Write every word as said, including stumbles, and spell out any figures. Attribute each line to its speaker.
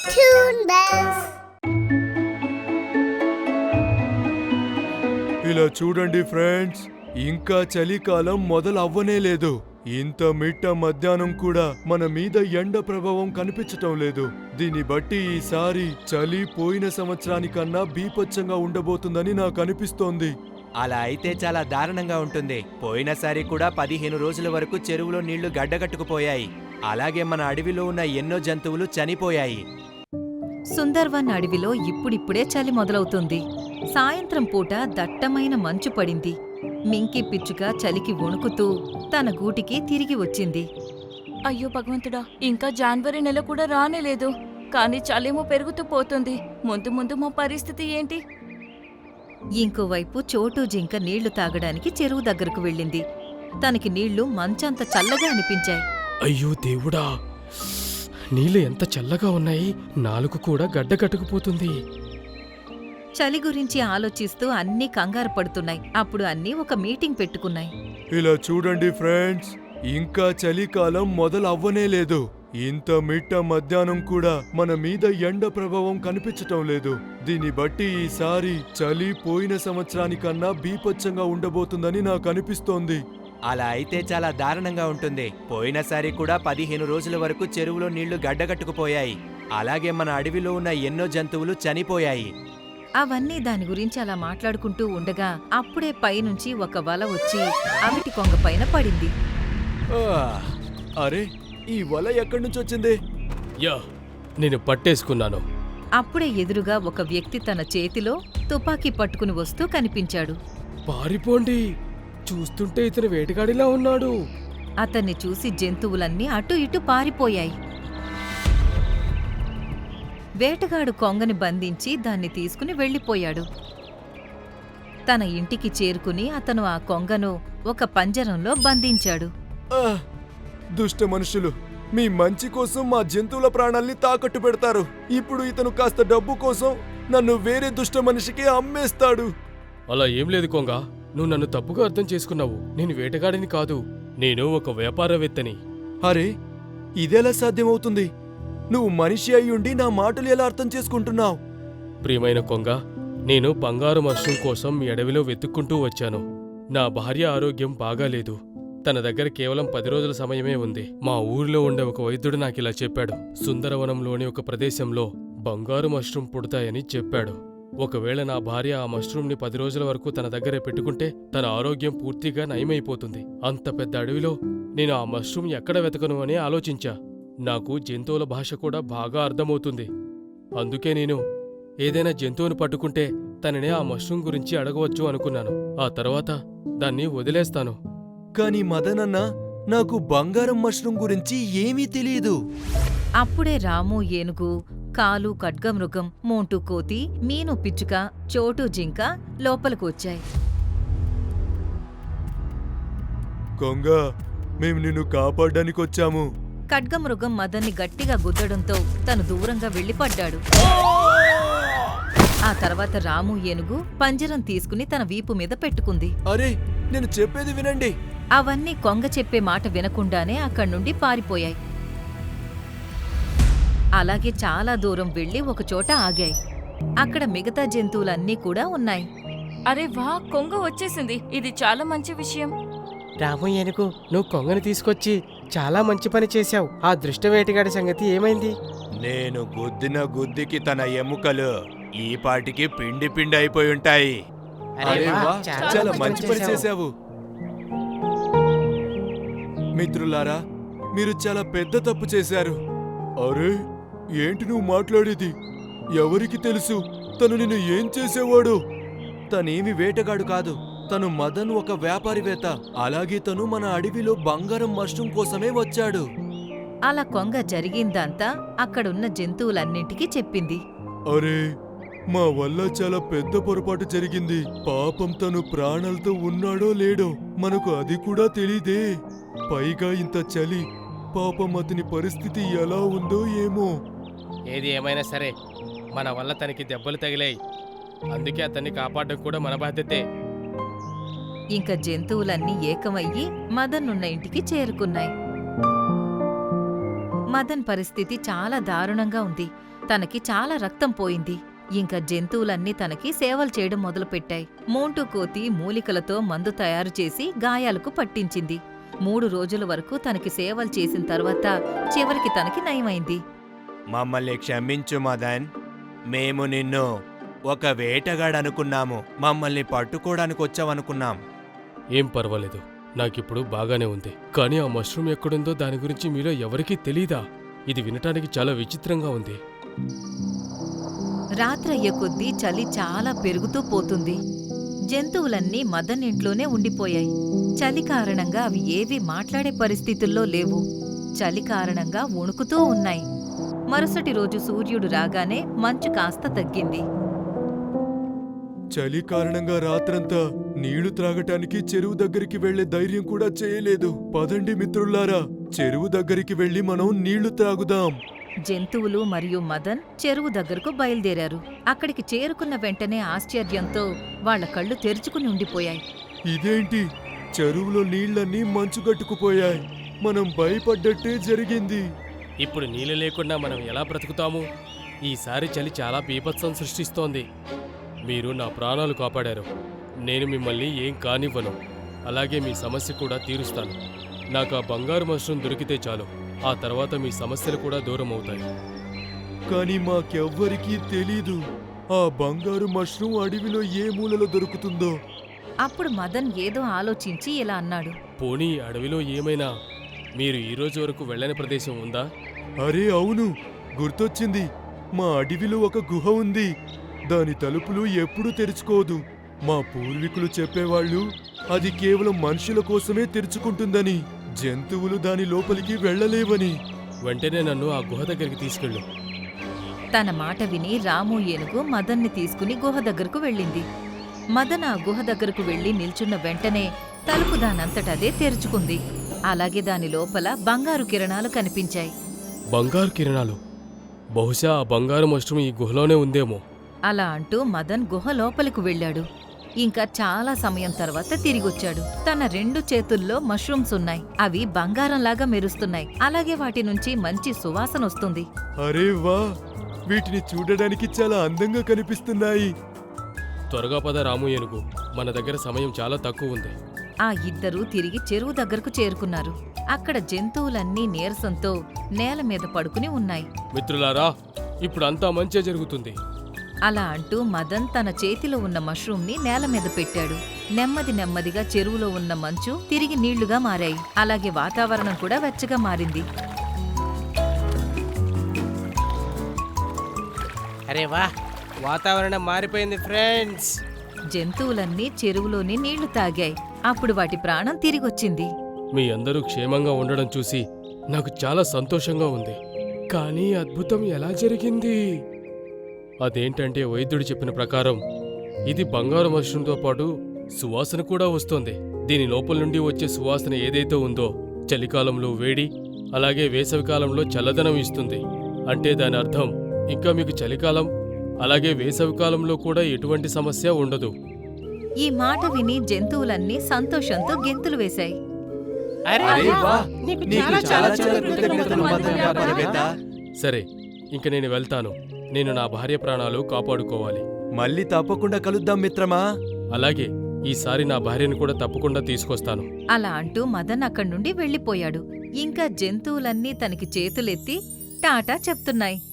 Speaker 1: Toon Bells.
Speaker 2: ఇలా చూడండి friends, ఇంకా చలికాలం మొదలవ్వనే లేదు. ఇంత మిట్ట మధ్యాహ్నం కూడా మన మీద ఎండ ప్రభావం కనిపించటం లేదు. దీన్ని బట్టి ఈసారి చలి పోయిన సంవత్సరానికన్నా బీభత్సంగా ఉండబోతుందని నాకు అనిపిస్తోంది.
Speaker 3: అలా అయితే చాలా దారుణంగా ఉంటుంది. పోయినసారి కూడా పదిహేను రోజుల వరకు చెరువులో నీళ్లు గడ్డగట్టుకుపోయాయి. అలాగే మన అడవిలో ఉన్న ఎన్నో జంతువులు చనిపోయాయి.
Speaker 4: సుందర్వన్ అడవిలో ఇప్పుడిప్పుడే చలి మొదలవుతుంది. సాయంత్రం పూట దట్టమైన మంచు పడింది. మింకీ పిచ్చుక చలికి వణుకుతూ తన గూటికి తిరిగి వచ్చింది.
Speaker 5: అయ్యో భగవంతుడా, ఇంకా జనవరి నెల కూడా రానేలేదు. కానీ చలేమో పెరుగుతూ పోతుంది. ముందు ముందు మా పరిస్థితి ఏంటి?
Speaker 4: ఇంకోవైపు చోటు జింక నీళ్లు తాగడానికి చెరువు దగ్గరకు వెళ్ళింది. తనకి నీళ్లు మంచంత చల్లగా అనిపించాయి.
Speaker 6: అయ్యో దేవుడా, నీళ్ళు ఎంత చల్లగా ఉన్నాయి. నాలుగు కూడా గడ్డ కట్టుకుపోతుంది.
Speaker 4: చలి గురించి ఆలోచిస్తూ అన్నీ కంగారు పడుతున్నాయి. అప్పుడు అన్నీ ఒక మీటింగ్ పెట్టుకున్నాయి.
Speaker 2: ఇలా చూడండి ఫ్రెండ్స్, ఇంకా చలికాలం మొదలవ్వనే లేదు. ఇంత మిట్ట మధ్యాహ్నం కూడా మన మీద ఎండ ప్రభావం కనిపించటం లేదు. దీన్ని బట్టి ఈసారి చలి పోయిన సంవత్సరానికన్నా బీభత్సంగా ఉండబోతుందని నాకు అనిపిస్తోంది.
Speaker 3: అలా అయితే చాలా దారుణంగా ఉంటుంది. పోయినసారి కూడా పదిహేను రోజుల వరకు చెరువులో నీళ్లు గడ్డగట్టుకుపోయాయి. అలాగే మన అడవిలో ఉన్న ఎన్నో జంతువులు చనిపోయాయి.
Speaker 4: అవన్నీ దాని గురించి అలా మాట్లాడుకుంటూ ఉండగా అప్పుడే పైనుంచి ఒక వల వచ్చి అవిటి కొంగ పైన పడింది.
Speaker 2: ఆ, అరే, ఈ వల ఎక్కడి నుంచి వచ్చింది?
Speaker 6: యా, నేను పట్టేసుకున్నాను.
Speaker 4: అప్పుడే ఎదురుగా ఒక వ్యక్తి తన చేతిలో తుపాకీ పట్టుకుని వస్తూ కనిపించాడు.
Speaker 6: పారిపోండి, చూస్తుంటే ఇతను వేటగాడిలా ఉన్నాడు.
Speaker 4: అతన్ని చూసి జంతువులన్నీ అటు ఇటు పారిపోయాయి. వేటగాడు కొంగని బంధించి దాన్ని తీసుకుని వెళ్ళిపోయాడు. తన ఇంటికి చేరుకుని అతను ఆ కొంగను ఒక పంజరంలో బంధించాడు.
Speaker 2: ఆ, దుష్ట మనుషులు, మీ మంచి కోసం మా జంతువుల ప్రాణాల్ని తాకట్టు పెడతారు. ఇప్పుడు ఇతను కాస్త డబ్బు కోసం నన్ను వేరే దుష్ట మనిషికి అమ్మేస్తాడు.
Speaker 6: అలా ఏం లేదు కొంగ, నువ్వు నన్ను తప్పుగా అర్థం చేసుకున్నావు. నేను వేటగాడిని కాదు, నేను ఒక వ్యాపారవేత్తని.
Speaker 2: అరే, ఇదెలా సాధ్యమవుతుంది? నువ్వు మనిషి అయ్యుండి నా మాటలు ఎలా అర్థం చేసుకుంటున్నావు?
Speaker 6: ప్రియమైన కొంగ, నేను బంగారు మష్రూమ్ కోసం మీ అడవిలో వెతుక్కుంటూ వచ్చాను. నా భార్య ఆరోగ్యం బాగాలేదు. తన దగ్గర కేవలం పది రోజుల సమయమే ఉంది. మా ఊరిలో ఉండే ఒక వైద్యుడు నాకిలా చెప్పాడు. సుందరవనంలోని ఒక ప్రదేశంలో బంగారు మష్రూమ్ పుడతాయని చెప్పాడు. ఒకవేళ నా భార్య ఆ మష్రూమ్ని పది రోజుల వరకు తన దగ్గరే పెట్టుకుంటే తన ఆరోగ్యం పూర్తిగా నయమైపోతుంది. అంత పెద్ద అడవిలో నేను ఆ మష్రూమ్ ఎక్కడ వెతకను అని ఆలోచించా. నాకు జంతువుల భాష కూడా బాగా అర్థమవుతుంది. అందుకే నేను ఏదైనా జంతువును పట్టుకుంటే తననే ఆ మష్రూమ్ గురించి అడగవచ్చు అనుకున్నాను. ఆ తర్వాత దాన్ని వదిలేస్తాను.
Speaker 2: కాని మదనన్న, నాకు బంగారం మష్రూమ్ గురించి ఏమీ తెలియదు.
Speaker 4: అప్పుడే రాము ఏనుగు, కాలు ఖడ్గమృగం, మోంటూ కోతి, మీను పిచ్చుక, చోటు జింక లోపలకు వచ్చాయి.
Speaker 2: కొంగ, మేము నిన్ను కాపాడ్డానికి వచ్చాము.
Speaker 4: ఖడ్గమృగం మదన్ని గట్టిగా గుద్దడంతో తను దూరంగా వెళ్ళిపడ్డాడు. ఆ తర్వాత రాము ఏనుగు పంజరం తీసుకుని తన వీపు మీద పెట్టుకుంది.
Speaker 2: అరే, నేను చెప్పేది వినండి.
Speaker 4: అవన్నీ కొంగ చెప్పే మాట వినకుండానే అక్కడ్నుండి పారిపోయాయి. అలాగే చాలా దూరం వెళ్లి ఒకచోట ఆగాయి. అక్కడ మిగతా జంతువులన్నీ కూడా ఉన్నాయి.
Speaker 5: అరే వా, కొంగ వచ్చేసింది. ఇది చాలా మంచి విషయం.
Speaker 7: రాము ఏనుగు, నువ్వు కొంగని తీసుకొచ్చి చాలా మంచి పని చేశావు. ఆ దృష్ట వేటగాడి సంగతి ఏమైంది?
Speaker 3: నేను గుద్దిన గుద్దికి తన ఎముకలు ఈ పాటికి పిండి పిండి అయిపోయి ఉంటాయి.
Speaker 2: అరే వా, చాలా మంచి పని చేశావు. మిత్రులారా, మీరు చాలా పెద్ద తప్పు చేశారు. అరే, ఏంటి నువ్వు మాట్లాడేది? ఎవరికి తెలుసు తను నిన్ను ఏం చేసేవాడు? తనేమి వేటగాడు కాదు. తను మదన్ ఒక వ్యాపారివేత్త. అలాగే తను మన అడవిలో బంగారం మష్రూమ్ కోసమే వచ్చాడు.
Speaker 4: అలా కొంగ జరిగిందంతా అక్కడున్న జంతువులన్నింటికీ చెప్పింది.
Speaker 2: అరే, మా వల్ల చాలా పెద్ద పొరపాటు జరిగింది. పాపం తను ప్రాణాలతో ఉన్నాడో లేడో మనకు అది కూడా తెలీదే. పైగా ఇంత చలి. పాపం అతని పరిస్థితి ఎలా ఉందో ఏమో.
Speaker 6: ఏది ఏమైనా సరే, మన వల్ల తనకి దెబ్బలు తగిలాయి. అందుకే అతన్ని కాపాడడం కూడా మన బాధ్యతే.
Speaker 4: ఇంక జంతువులన్నీ ఏకమయ్యి మదన్ ఉన్న ఇంటికి చేరుకున్నాయి. మదన్ పరిస్థితి చాలా దారుణంగా ఉంది. తనకి చాలా రక్తం పోయింది. ఇంకా జంతువులన్నీ తనకి సేవలు చేయడం మొదలుపెట్టాయి. మోంటూ కోతి మూలికలతో మందు తయారు చేసి గాయాలకు పట్టించింది. మూడు రోజుల వరకు తనకి సేవలు చేసిన తర్వాత చివరికి తనకి నయమైంది.
Speaker 3: మమ్మల్ని క్షమించు మదన్. మేము నిన్ను ఒక వేటగాడనుకున్నాము. మమ్మల్ని పట్టుకోవడానికి వచ్చావనుకున్నాం.
Speaker 6: ఏం పర్వాలేదు, నాకిప్పుడు బాగానే ఉంది. కానీ ఆ మష్రూమ్ ఎక్కడుందో దాని గురించి మీలో ఎవరికీ తెలీదా? ఇది వినటానికి చాలా విచిత్రంగా ఉంది.
Speaker 4: రాత్రయ్యే కొద్దీ చలి చాలా పెరుగుతూ పోతుంది. జంతువులన్నీ మదన్ ఇంట్లోనే ఉండిపోయాయి. చలి కారణంగా అవి ఏవీ మాట్లాడే పరిస్థితుల్లో లేవు. చలి కారణంగా వణుకుతూ ఉన్నాయి. మరుసటి రోజు సూర్యుడు రాగానే మంచు కాస్త తగ్గింది.
Speaker 2: చలి కారణంగా రాత్రంతా నీళ్లు త్రాగటానికి చెరువు దగ్గరికి వెళ్లే ధైర్యం కూడా చేయలేదు. పదండి మిత్రుల్లారా, చెరువు దగ్గరికి వెళ్లి మనం నీళ్లు త్రాగుదాం.
Speaker 4: జంతువులు మరియు మదన్ చెరువు దగ్గరకు బయలుదేరారు. అక్కడికి చేరుకున్న వెంటనే ఆశ్చర్యంతో వాళ్ల కళ్ళు తెరుచుకుని ఉండిపోయాయి.
Speaker 2: ఇదేంటి, చెరువులో నీళ్లన్నీ మంచుగట్టుకుపోయాయి. మనం భయపడ్డట్టే జరిగింది.
Speaker 6: ఇప్పుడు నీళ్ళు లేకుండా మనం ఎలా బ్రతుకుతాము? ఈసారి చలి చాలా బీభత్సం సృష్టిస్తోంది. మీరు నా ప్రాణాలు కాపాడారు. నేను మిమ్మల్ని ఏం కానివ్వను. అలాగే మీ సమస్య కూడా తీరుస్తాను. నాకు ఆ బంగారు మష్రూమ్ దొరికితే చాలు. ఆ తర్వాత మీ సమస్యలు కూడా దూరం అవుతాయి.
Speaker 2: కానీ మాకెవ్వరికీ తెలీదు ఆ బంగారు మష్రూమ్ అడవిలో ఏ మూలలో దొరుకుతుందో.
Speaker 4: అప్పుడు మదన్ ఏదో ఆలోచించి ఇలా అన్నాడు.
Speaker 6: పోనీ అడవిలో ఏమైనా మీరు ఈ రోజు వరకు వెళ్ళని ప్రదేశం ఉందా?
Speaker 2: అరే అవును, గుర్తొచ్చింది. మా అడవిలో ఒక గుహ ఉంది. దాని తలుపులు ఎప్పుడూ తెరుచుకోదు. మా పూర్వీకులు చెప్పేవాళ్ళు అది కేవలం మనుషుల కోసమే తెరుచుకుంటుందని, జంతువులు దాని లోపలికి వెళ్ళలేవని.
Speaker 6: వెంటనే నన్ను ఆ గుహ దగ్గరికి తీసుకెళ్ళు.
Speaker 4: తన మాట విని రాము ఏనుగు మదన్ని తీసుకుని గుహ దగ్గరకు వెళ్ళింది. మదన్ ఆ గుహ దగ్గరకు వెళ్లి నిల్చున్న వెంటనే తలుపు దానంతటదే తెరుచుకుంది. అలాగే దాని లోపల బంగారు కిరణాలు కనిపించాయి.
Speaker 6: బంగారు కిరణాలు? బహుశా ఆ బంగారు మష్రూమ్ ఈ గుహలోనే ఉందేమో.
Speaker 4: అలా అంటూ మదన్ గుహ లోపలికి వెళ్ళాడు. ఇంకా చాలా సమయం తర్వాత తిరిగొచ్చాడు. తన రెండు చేతుల్లో మష్రూమ్స్ ఉన్నాయి. అవి బంగారంలాగా మెరుస్తున్నాయి. అలాగే వాటి నుంచి మంచి సువాసన వస్తుంది.
Speaker 2: అరే వా, వీటిని చూడడానికి చాలా అందంగా కనిపిస్తున్నాయి.
Speaker 6: త్వరగా పద రాము ఏనుగు, మన దగ్గర సమయం చాలా తక్కువ ఉంది.
Speaker 4: ఆ ఇద్దరూ తిరిగి చెరువు దగ్గరకు చేరుకున్నారు. అక్కడ జంతువులన్నీ నీరసంతో నేల మీద పడుకుని ఉన్నాయి.
Speaker 6: మిత్రులారా, ఇప్పుడు అంతా మంచే జరుగుతుంది.
Speaker 4: అలా అంటూ మదన్ తన చేతిలో ఉన్న మష్రూమ్ని నేల మీద పెట్టాడు. నెమ్మది నెమ్మదిగా చెరువులో ఉన్న మంచు తిరిగి నీళ్లుగా మారాయి. అలాగే వాతావరణం కూడా వెచ్చగా మారింది.
Speaker 7: అరే వా, వాతావరణం మారిపోయింది ఫ్రెండ్స్.
Speaker 4: జంతువులన్నీ చెరువులోని నీళ్లు తాగాయి. అప్పుడు వాటి ప్రాణం తిరిగొచ్చింది.
Speaker 6: మీ అందరూ క్షేమంగా ఉండడం చూసి నాకు చాలా సంతోషంగా ఉంది. కానీ అద్భుతం ఎలా జరిగింది? అదేంటంటే వైద్యుడు చెప్పిన ప్రకారం ఇది బంగారు మష్రూమ్తో పాటు సువాసన కూడా వస్తోంది. దీని లోపల నుండి వచ్చే సువాసన ఏదైతే ఉందో చలికాలంలో వేడి, అలాగే వేసవికాలంలో చల్లదనం ఇస్తుంది. అంటే దాని అర్థం ఇంకా మీకు చలికాలం అలాగే వేసవికాలంలో కూడా ఎటువంటి సమస్య ఉండదు.
Speaker 4: ఈ మాట విని జంతువులన్నీ సంతోషంతో గెంతులు వేశాయి.
Speaker 7: అరే
Speaker 2: అరే వా,
Speaker 7: నీకు
Speaker 2: నీకు
Speaker 7: చాలా
Speaker 2: చాలా
Speaker 7: చాలా
Speaker 2: చాలా
Speaker 7: కృతజ్ఞతలు
Speaker 2: కృతజ్ఞతలు
Speaker 7: మదన్
Speaker 2: మదన్
Speaker 7: వ్యాపారవేత్త.
Speaker 2: వ్యాపారవేత్త.
Speaker 6: సరే, ఇంక నేను వెళ్తాను. నేను నా భార్య ప్రాణాలు కాపాడుకోవాలి.
Speaker 3: మళ్ళీ తప్పకుండా కలుద్దాం మిత్రమా.
Speaker 6: అలాగే ఈసారి నా భార్యను కూడా తప్పకుండా తీసుకొస్తాను.
Speaker 4: అలా అంటూ మదన్ అక్కడి నుండి వెళ్ళిపోయాడు. ఇంకా జంతువులన్నీ తనకి చేతులెత్తి టాటా చెప్తున్నాయి.